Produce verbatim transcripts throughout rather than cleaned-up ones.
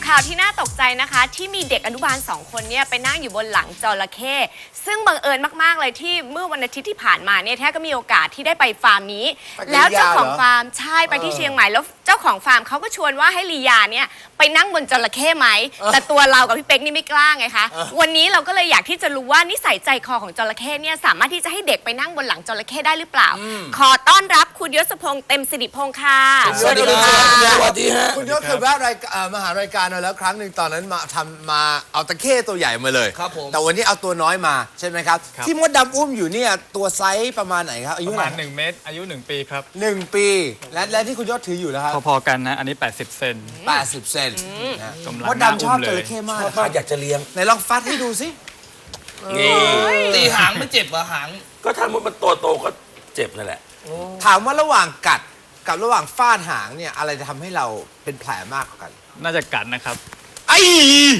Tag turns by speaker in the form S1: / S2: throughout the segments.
S1: ข่าวที่น่าตกใจนะคะที่มีเด็กอนุบาลสองคนเนี่ยไปนั่งอยู่บนหลังจระเข้ซึ่งบังเอิญมากๆเลยที่เมื่อวันอาทิตย์ที่ผ่านมาเนี่ยแท้ก็มีโอกาสที่ได้ไปฟาร์มนี้แล้วเจ้าของฟาร์มใช่ไปที่เชียงใหม่แล้วเจ้าของฟาร์มเขาก็ชวนว่าให้ลียาเนี่ยไปนั่งบนจระเข้ไหมแต่ตัวเรากับพี่เป๊กนี่ไม่กล้าไงคะวันนี้เราก็เลยอยากที่จะรู้ว่านิสัยใจคอของจระเข้เนี่ยสามารถที่จะให้เด็กไปนั่งบนหลังจระเข้ได้หรือเปล่าขอต้อนรับคุณยศพงษ์เต็มสิริพงษ์ค่ะ
S2: สวัสดีครับสวัสดีฮะ
S3: คุณยศเคยแวะรายการมหารายการเราแล้วครั้งหนึ่งตอนนั้นมาทำมาเอาตะเข้ตัวใหญ่มาเลย
S2: ครับผม
S3: แต่วันนี้เอาตัวน้อยมาใช่ไหมครับที่มดดำอุ้มอยู่เนี่ยตัวไซส์ประมาณไหนครับอายุ
S4: ประมาณหนึ่งเมตรอายุหนึ่งปีครับ
S3: หนึ่งปีและและที่คุณยศถืออยู่แล้วครับ
S4: พอๆกันนะอันนี้แปดสิบเซน
S3: แปดสิบเซนมด
S4: ด
S3: ำชอบจระเข้มาก
S2: ชอบมากอยากจะเลี้ยง
S3: ไหนลองฟัดให้ดูสิ
S2: นี่ตีหางไม่เจ็บเหรอหางก็ถ้ามันโตโตก็เจ็บนั่นแหละ
S3: ถามว่าระหว่างกัดกับระหว่างฟาดหางเนี่ยอะไรจะทำให้เราเป็นแผลมากกว่ากัน
S4: น่าจะกัดนะครับ
S3: ไอ้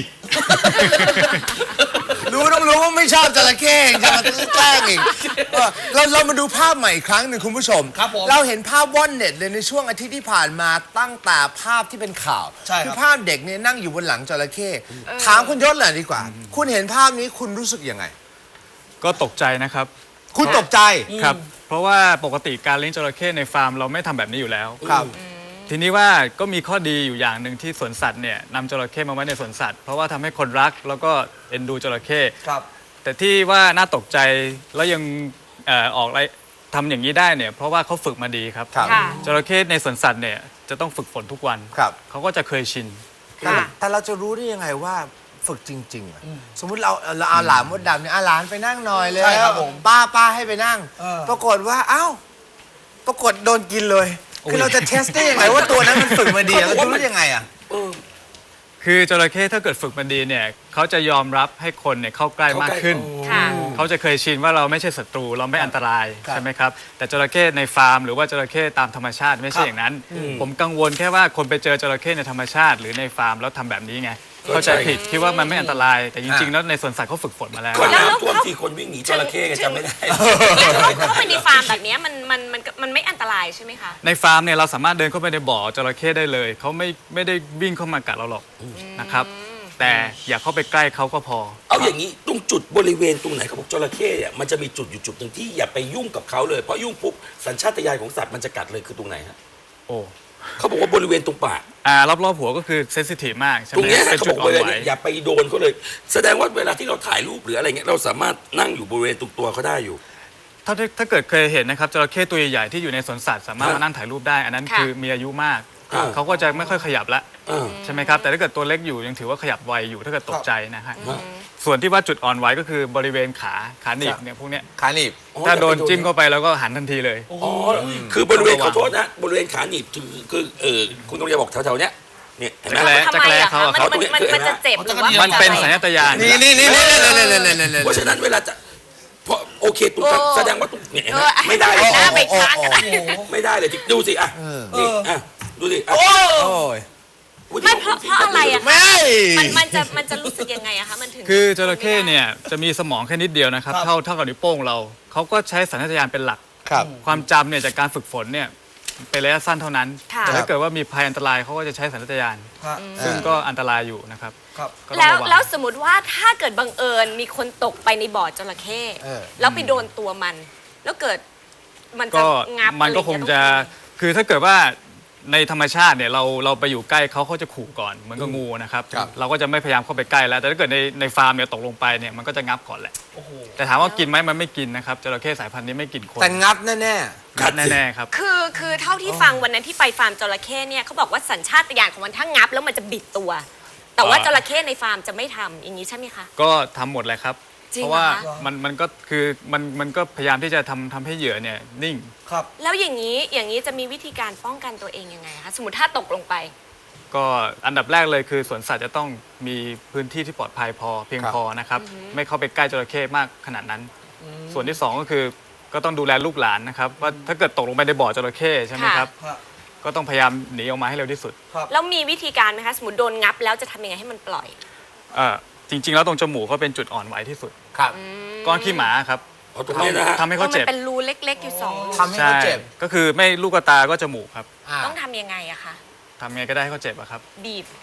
S3: รู้ต้องรู้ว่าไม่ชอบจระเข้จะมาแกล้งเองเราเรามาดูภาพใหม่อีกครั้งหนึ่งคุณผู้ชมเราเห็นภาพว่อนเน็ตเลยในช่วงอาทิตย์ที่ผ่านมาตั้งแต่ภาพที่เป็นข่าวคือภาพเด็กเนี่ยนั่งอยู่บนหลังจระเข้ถามคุณยศเลยดีกว่าคุณเห็นภาพนี้คุณรู้สึกยังไง
S4: ก็ตกใจนะครับ
S3: คุณตกใจ
S4: ครับเพราะว่าปกติการเลี้ยงจระเข้ในฟาร์มเราไม่ทำแบบนี้อยู่แล้ว
S3: ครับ
S4: ทีนี้ว่าก็มีข้อดีอยู่อย่างหนึ่งที่สวนสัตว์เนี่ยนำจระเข้มาไว้ในสวนสัตว์เพราะว่าทำให้คนรักแล้วก็เอ็นดูจระเข้
S2: ครับ
S4: แต่ที่ว่าน่าตกใจแล้วยังเอ่อออกอะไรทำอย่างนี้ได้เนี่ยเพราะว่าเขาฝึกมาดีครับจระเข้ในสวนสัตว์เนี่ยจะต้องฝึกฝนทุกวันเขาก็จะเคยชิน
S3: แต่เราจะรู้ได้ยังไงว่าฝึกจริงๆสมมุติเราเราเอาหลานมดดำเนี่ยเอาหลานไปนั่งหน่อยเลยป้าป้าให้ไปนั่งปรากฏว่าเอ้าปรากฏโดนกินเลยคือเราจะเทสได้ยังไงว่าตัวนั้นมันฝึกมาดีเราจะรู้ยังไงอ่ะ
S4: คือจระเข้ถ้าเกิดฝึกมาดีเนี่ยเขาจะยอมรับให้คนเนี่ยเข้าใกล้มากขึ้นเขาจะเคยชินว่าเราไม่ใช่ศัตรูเราไม่อันตรายใช่ไหมครับแต่จระเข้ในฟาร์มหรือว่าจระเข้ตามธรรมชาติไม่ใช่อย่างนั้นผมกังวลแค่ว่าคนไปเจอจระเข้ในธรรมชาติหรือในฟาร์มแล้วทำแบบนี้ไงเข้าใจผิดคิดว่ามันไม่อันตรายแต่จริงๆแล้วในสวนสัตว์เขาฝึกฝนมาแล้ว
S2: คนน้ำท่วมที่คนวิ่งหนีจระเข้กันจำไม่ได้
S1: เข้าไปในฟาร์มแบบนี้มันมันมันมันไม่อันตรายใช่ไหมคะ
S4: ในฟาร์มเนี่ยเราสามารถเดินเข้าไปในบ่อจระเข้ได้เลยเขาไม่ไม่ได้วิ่งเข้ามากัดเราหรอกนะครับแต่อย่าเข้าไปใกล้เขาก็พอ
S2: เอาอย่างนี้ตรงจุดบริเวณตรงไหนเขาบอกจระเข้เนี่ยมันจะมีจุดอยู่จุดหนึ่งที่อย่าไปยุ่งกับเขาเลยเพราะยุ่งปุ๊บสัญชาตญาณของสัตว์มันจะกัดเลยคือตรงไหนฮะ
S4: โอ้
S2: เขาบอกว่าบริเวณตรงปาก
S4: อ่ารอบๆหัวก็คือเซนซิทีฟมากใช่ไหม
S2: ตรงนี้เขาบอกว่าอย่าไปโดนเขาเลยแสดงว่าเวลาที่เราถ่ายรูปหรืออะไรเงี้ยเราสามารถนั่งอยู่บริเวณตรงตัวเขาได้อยู่
S4: ถ้าถ้าเกิดเคยเห็นนะครับจระเข้ตัวใหญ่ๆที่อยู่ในสวนสัตว์สามารถมานั่งถ่ายรูปได้อันนั้นคือมีอายุมากเขาก็จะไม่ค่อยขยับละใช่ไหมครับแต่ถ้าเกิดตัวเล็กอยู่ยังถือว่าขยับไวอยู่ถ้าเกิดตกใจนะฮะส่วนที่ว่าจุดอ่อนไหวก็คือบริเวณขาขาหนีบเนี่ยพวกเนี้ย
S3: ขาหนีบ
S4: ถ้าโดนจิ้มเข้าไปแล้วก็หันทันทีเลย
S2: อ๋อคือบริเวณขอโทษนะบริเวณขาหนีบคือคือเออคุณต้องจะบอกแถวๆเนี้ยเนี่ยเห็นไหม
S4: จักรแร้เขา
S1: เขาตรงนี้มันจะเจ็บหรือว่า
S4: มันเป็นสัญชาตญาณ
S3: นี่นี่นี่นี่
S2: เพราะฉะนั้นเวลาจะเพราะโอเคตรงแสดงว่าตรงเนี่ยไม่ได้
S1: หน้าไปค้าง
S2: ไม่ได้เลยดูสิอ่ะนี่อ่ะดูสิ
S3: โอ้ย
S1: ไม่เพราะเพราะอะไรอะ
S3: ไม่
S1: มันมันจะมันจะรู้สึกยังไงอะคะมันถึง
S4: คือจระเข้เนี่ยจะมีสมองแค่นิดเดียวนะครับเท่าเท่ากับนิ้วโป้งเราเขาก็ใช้สัญชาตญาณเป็นหลักความจำเนี่ยจากการฝึกฝนเนี่ยเป็นระยะสั้นเท่านั้นแต่ถ้าเกิดว่ามีภัยอันตรายเขาก็จะใช้สัญชาตญาณซึ่งก็อันตรายอยู่นะครับ
S1: แล้วแล้วสมมติว่าถ้าเกิดบังเอิญมีคนตกไปในบ่อจระเข้แล้วไปโดนตัวมันแล้วเกิดมันจะงับ
S4: มันก็คงจะคือถ้าเกิดว่าในธรรมชาติเนี่ยเราเราไปอยู่ใกล้เขาเขาจะขู่ก่อนเหมือนกับงูนะครับเราก็จะไม่พยายามเข้าไปใกล้แล้วแต่ถ้าเกิดในในฟาร์มเนี่ยตกลงไปเนี่ยมันก็จะงับก่อนแหละแต่ถามว่ากินไหมมันไม่กินนะครับจระเข้สายพันธุ์นี้ไม่กินคน
S3: แต่งับแน่แน่
S4: งับแน่ๆครับ
S1: คือคือเท่าที่ฟังวันนั้นที่ไปฟาร์มจระเข้เนี่ยเขาบอกว่าสัญชาตญาณของมันถ้างับแล้วมันจะบิดตัวแต่ว่าจระเข้ในฟาร์มจะไม่ทำอย่างนี้ใช่ไหมคะ
S4: ก็ทำหมดเลยครับเพราะว่ามันมันก็คือมันมันก็พยายามที่จะทำทำให้เหยื่อเนี่ยนิ่ง
S1: ครับแล้วอย่างนี้อย่างนี้จะมีวิธีการป้องกันตัวเองยังไงคะสมมติถ้าตกลงไป
S4: ก็อันดับแรกเลยคือสวนสัตว์จะต้องมีพื้นที่ที่ปลอดภัยพอเพียงพอนะครับไม่เข้าไปใกล้จระเข้มากขนาดนั้นส่วนที่สองก็คือก็ต้องดูแลลูกหลานนะครับว่าถ้าเกิดตกลงไปในบ่อจระเข้ใช่ไหมครับก็ต้องพยายามหนีออกมาให้เร็วที่สุด
S1: แล้วมีวิธีการไหมคะสมมติโดนงับแล้วจะทำยังไงให้มันปล่อย
S4: จริงๆแล้วตรงจมูกเขาเป็นจุดอ่อนไหวที่สุด
S3: ครับ
S4: ก้อนขี้หมาครับทำให้เขาเจ็บ
S1: มันเป็นรูเล็กๆอยู่สองรู
S3: ทำให้เขาเจ็บ
S4: ก็คือไม่ลูกตาก็จมูกครับ
S1: ต้องทำยังไงอะคะ
S4: ทำไงก็ได้ให้เขาเจ็บอะครับ
S1: บีบ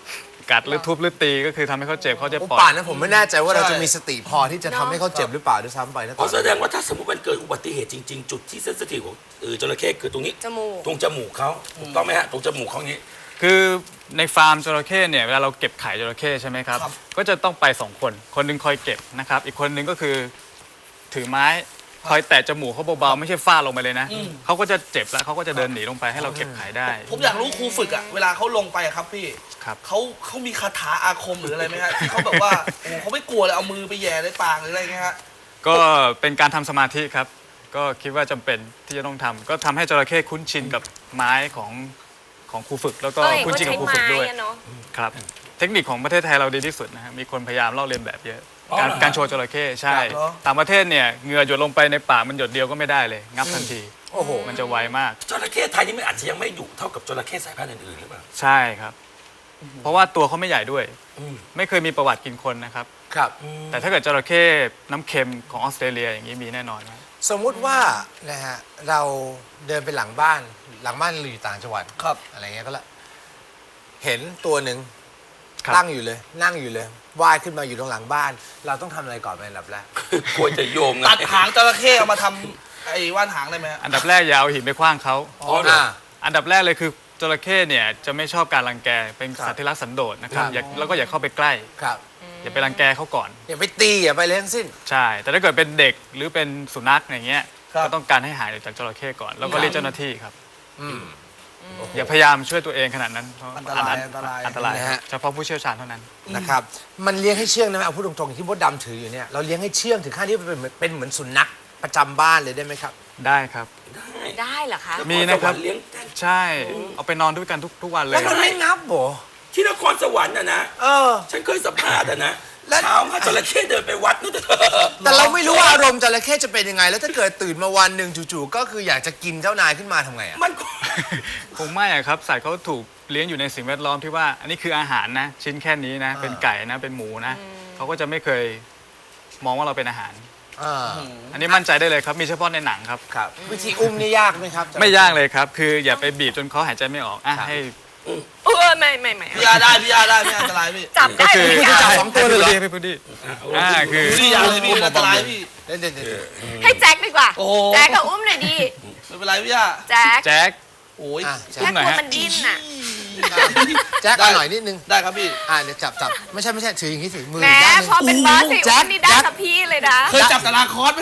S4: กัดหรือทุบหรือตีก็คือทำให้เขาเจ็บเขาจะ
S3: โอ้
S4: ปล่อย
S3: ป่านนั้นผมไม่แน่ใจว่าเรา
S5: ใช่
S3: จะมีสติพอที่จะทำให้เขาเจ็บหรือเปล่าด้วยซ้ำไปนะต
S2: อ๋
S3: อ
S2: อน แส
S3: นั้น
S2: ดงว่าถ้าสมมติมันเกิดอุบัติเหตุจริง ๆ จุดที่เซนซิทีฟของเออจระเข้คือตรงนี้
S1: จมูก
S2: ตรงจมูกเขาถูกต้องไหมฮะตรงจมูกเขาอย่างนี้
S4: คือในฟาร์มจระเข้เนี่ยเวลาเราเก็บไข่จระเข้ใช่ไหมครับ
S5: ครับ
S4: ก็จะต้องไปสองคนคนหนึงคอยเก็บนะครับอีกคนหนึงก็คือถือไม้คอยแตะจมูกเขาเบาๆไม่ใช่ฟาดลงไปเลยนะเขาก็จะเจ็บแล้วเขาก็จะเดินหนีลงไปให้เราเก็บไข่ได้
S5: ผมอยากรู้ครูฝึกอะเวลาเขาลงไปอะครับพี่
S4: ครับ
S5: เขาเขามีคาถาอาคมหรืออะไรไหมฮะที่เขาแบบว่าโอ้โหเขาไม่กลัวเลยเอามือไปแหย่ในปากหรืออะไรเงี้ยฮะ
S4: ก็เป็นการทำสมาธิครับ ก็คิดว่าจำเป็นที่จะต้องทำก็ทำให้จระเข้คุ้นชินกับไม้ของของครูฝึก แล้วก็
S1: ก็เห็น
S4: คุ้น
S1: เขา
S4: ชินกั
S1: ใช้
S4: บครู
S1: ไม้
S4: ฝึกด้วย
S1: อะเนาะ
S4: ครับ เทคนิคของประเทศไทยเราดีที่สุดนะฮะมีคนพยายามลอกเลียนแบบเยอะ
S2: อ๋อ
S4: การ
S2: เหรอ
S4: การโชว์จระเข้ใช่
S5: ครับเหรอ
S4: ต่างประเทศเนี่ยเหงื่อหยดลงไปในปากมันหยดเดียวก็ไม่ได้เลย งับทันที
S3: โอ้โห
S4: มันจะไวมาก
S2: จระเข้ไทยนี่มันอาจจะยังไม่ดุเท่ากับจระเข้สายพันธุ์อื่นๆหรือเปล่า
S4: ใช่ครับ เพราะว่าตัวเขาไม่ใหญ่ด้วย
S2: อืม
S4: ไม่เคยมีประวัติกินคนนะครับ
S3: ครับ
S4: แต่ถ้าเกิดจระเข้น้ำเค็มของออสเตรเลียอย่างนี้มีแน่นอนครับ
S3: สมมุติว่านะฮะเราเดินไปหลังบ้านหลังบ้านเราอยู่ต่างจังหวัด
S5: ครับ
S3: อะไรเงี้ยก็ละเห็นตัวหนึ่ง
S4: ครับ
S3: ตั้งอยู่เลย นั่งอยู่เลยว่ายขึ้นมาอยู่ตรงหลังบ้าน เราต้องทำอะไรก่อนเป็นอันดับแรก
S2: ควรจะโยงไง
S5: ตัดหางจระเข้เอามาทำไอ้ว่านหางได้ไหมฮะ
S4: อันดับแรกอย่าเอาหินไปขว้างเขา
S2: อ๋อเหรอ
S4: อันดับแรกเลยคือจระเข้เนี่ยจะไม่ชอบการรังแกเป็นสัตว์ที่รักสันโดษนะครับ
S3: ครับ
S4: อย่าแล้วก็อย่าเข้าไปใกล้
S3: ครับ
S4: อย่าไปรังแกเขาก่อน
S3: อย่าไปตีอย่าไปเลยทั้งสิ้น
S4: ใช่ แต่ถ้าเกิดเป็นเด็กหรือเป็นสุนัขอย่างเงี้ย
S5: ครับ
S4: ก็ต้องการให้หายจากจระเข้ก่อน แล้วก็เรียกเจ้าหน้าที่ครับ
S3: อืม
S4: อย่าพยายามช่วยตัวเองขนาดนั้นเพราะ
S5: อันตรายอันตราย
S4: อันตราย
S3: นะฮะ
S4: เฉพาะผู้เชี่ยวชาญเท่านั้น
S3: นะครับ มันเลี้ยงให้เชื่องนะเอาพูดตรงๆอย่างที่มดดำถืออยู่เนี่ยเราเลี้ยงให้เชื่องถึงขั้นที่เป็นเหมือนเป็นเหมือนสุนัขประจำบ้านเลยได้ไหมครับ
S4: ได้ครับ
S1: ได้เหรอคะ
S4: มีนะครับ
S2: เลี้ยง
S4: ใช่ เอาไปนอนด้วยกันทุกทุกวันเล
S3: แล้ว
S4: ย
S3: มันไม่งับโห
S2: ที่นครสวรรค์นะนะ
S3: เออ
S2: ฉันเคยสัมภาษณ์อะนะ
S3: แล้ว
S2: เช้ามาจระเข้เดินไปวัดนู่นเถอะ
S3: แต่เราไม่รู้ว่าอารมณ์จระเข้จะเป็นยังไง แล้วถ้าเกิดตื่นมาวันหนึ่งจู่ๆก็คืออยากจะกินเจ้านายขึ้นมาทำไงอ่ะ
S2: มัน
S4: คงไม่อะครับสัตว์เขาถูกเลี้ยงอยู่ในสิ่งแวดล้อมที่ว่า อันนี้คืออาหารนะ ชิ้นแค่นี้นะ เป็นไก่นะเป็นหมูนะเขาก็จะไม่เคยมองว่าเราเป็นอาหาร
S3: อ่า
S4: อันนี้มั่นใจได้เลยครับ มีเฉพาะในหนังครับ
S3: ครับวิธีอุ้มนี่ยากไหมครับ
S4: ไม่ยากเลยครับ คืออย่าไปบีบจนเขาหายใจไม่ออกอ่ะให้
S1: เออไม่ไม่ไม่
S5: พี่อาได้พี่อาได้ไม่อันตรายพี่
S1: จับ
S4: ก็
S1: ได้
S4: คือ
S1: ทุก
S3: จะ
S1: อย่า
S3: จับ
S1: ง
S3: สองตัวเลยเหรอ
S4: ให้พูดดิอ่าคือ
S5: พี่อาเลยพี่มันอันตรายพี่
S3: เดี๋ยวเดี๋ยวเดี๋ยว
S1: ให้แจ็คดีกว่า
S5: โอ้โห
S1: แจ็คกับอุ้มหน่อยดี
S5: ไม่เป็นไรพี่อา
S1: แจ็ค
S4: แจ็ค
S5: โอ้ย
S3: อ่ะ
S1: แจ็คกลัวมันดิ้นน่ะ
S3: แจ็คเอาหน่อยนิดนึง
S5: ได้ครับพี่
S3: อ่าเดี๋ยวจับจับไม่ใช่ไม่ใช่ถืออย่างนี้สิมือ
S1: แหม
S3: อีกด้านหนึง
S1: พอเป็นบอสสิ
S3: แจ็
S1: อุ้
S3: ค
S1: มนี่ได้
S3: แจ็ค
S1: กับพี่เลยนะ
S5: เคยจับตารางคอร์สไหม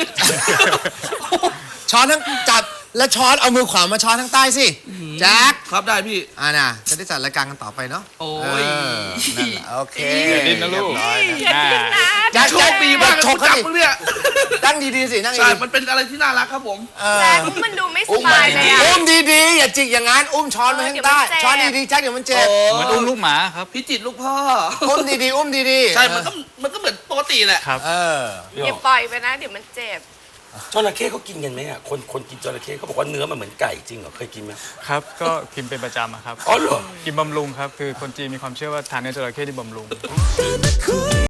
S3: ช้อนทั้งจับแล้วช้อนเอามือขวามาช้อนทั้งใต้สิแจ็ค
S5: ครับได้พี่
S3: อ่าน่ะจะได้จัดรายการกันต่อไปเนาะ
S5: โอ้
S3: เอย อนั่นแหละโอเค
S4: อย่าดิ้นนะลูก
S3: เรียบร้อย
S1: อย่าดิ้นนะ
S3: แจ็ค
S5: โชคดีมากเลย
S3: ช
S5: คุ
S3: ก
S5: ณ
S3: เขา
S5: จับ
S3: ดิ
S5: มึงเนี่ย
S3: นั่งดีๆสินั่ง
S5: ใช่
S3: ดี
S5: มันเป็นอะไรที่น่ารักครับผม
S3: ๆเออ
S1: แจ็คอุ้มมันดูไม่สบายเลย
S3: อุ้
S1: อะ
S3: มดีๆอย่าจิกอย่างนั้นอุ้มช้อนมาข้างใต้
S1: เดี๋ยวมันเจ็บ
S3: ช้อนดีๆแจ็คเดี๋ยวมันเจ็บ
S5: โอ้
S4: เหมือนอุ้มลูกหมาครับ
S5: พี่จิตรลูกพ่อ
S3: อุ้มดีๆอุ้มดีๆ
S5: ใช่ มันก็มันก็เหมือนปกติแหละ
S4: ครับ
S3: เออ
S1: อย่าปล่อยไปนะ เดี๋ยวมันเจ็บ
S2: จระเข้เขากินกันไหมอ่ะคนคนกินจระเข้เขาบอกว่าเนื้อมันเหมือนไก่จริงเหรอเคยกินไหม
S4: ครับ ก็กินเป็นประจำอะครับ
S2: อ๋อเหรอ
S4: กินบำรุงครับ คือคนจีนมีความเชื่อว่าทานเนื้อจระเข้ที่บำรุง